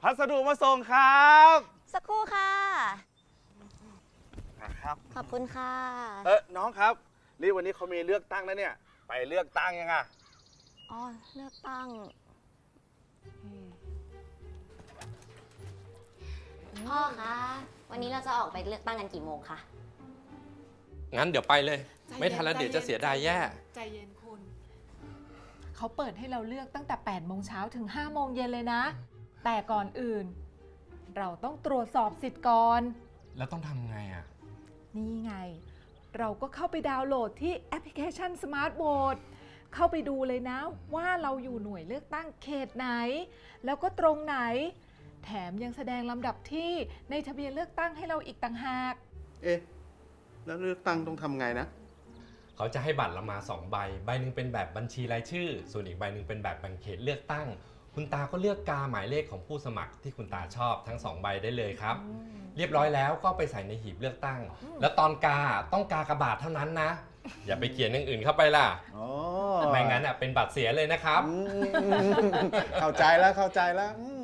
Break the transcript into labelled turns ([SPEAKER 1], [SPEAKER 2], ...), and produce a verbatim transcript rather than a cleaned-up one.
[SPEAKER 1] พัสดุมาส่งครับ
[SPEAKER 2] สักครู่ค่ะ
[SPEAKER 1] นะครับ
[SPEAKER 2] ขอบคุณค่ะ
[SPEAKER 1] เออน้องครับนี่วันนี้เขามีเลือกตั้งแล้วเนี่ย ไปเลือกตั้งยังไง
[SPEAKER 2] อ๋อ เลือกตั้งพ่อคะ วันนี้เราจะออกไปเลือกตั้งกันกี่โมงคะ
[SPEAKER 3] งั้นเดี๋ยวไปเลย
[SPEAKER 4] ใจเย็น
[SPEAKER 3] ไม่ทันแล้วเดี๋ยวจะเสียดายแย่
[SPEAKER 4] ใจเย็นคุณ เขาเปิดให้เราเลือกตั้งแต่แปดโมงเช้าถึงห้าโมงเย็นเลยนะ แต่ก่อนอื่น เราต้องตรวจสอบสิทธิ์ก่อน
[SPEAKER 3] แล้วต้องทำไงอ่ะ
[SPEAKER 4] นี่ไง เราก็เข้าไปดาวน์โหลดที่แอปพลิเคชัน Smart Vote เข้าไปดูเลยนะว่าเราอยู่หน่วยเลือกตั้งเขตไหน แล้วก็ตรงไหน แถมยังแสดงลำดับที่ในทะเบียนเลือกตั้งให้เราอีกต่างหาก
[SPEAKER 5] เอ๊ะ แล้วเลือกตั้งต้องทำไงนะ
[SPEAKER 3] เขาจะให้บัตรเรามาสองใบ ใบหนึ่งเป็นแบบบัญชีรายชื่อ ส่วนอีกใบหนึ่งเป็นแบบแบ่งเขตเลือกตั้ง คุณตาก็เลือกกาหมายเลขของผู้สมัครที่คุณตาชอบทั้งสองใบได้เลยครับ เรียบร้อยแล้วก็ไปใส่ในหีบเลือกตั้ง แล้วตอนกาต้องกากระบาดเท่านั้นนะ อย่าไปเขียนอย่างอื่นเข้าไปล่ะ
[SPEAKER 5] อ๋อ
[SPEAKER 3] ไม่งั้นอ่ะเป็นบัตรเสียเลยนะครับ
[SPEAKER 5] อืมเข้าใจแล้วเข้าใจแล้วอืม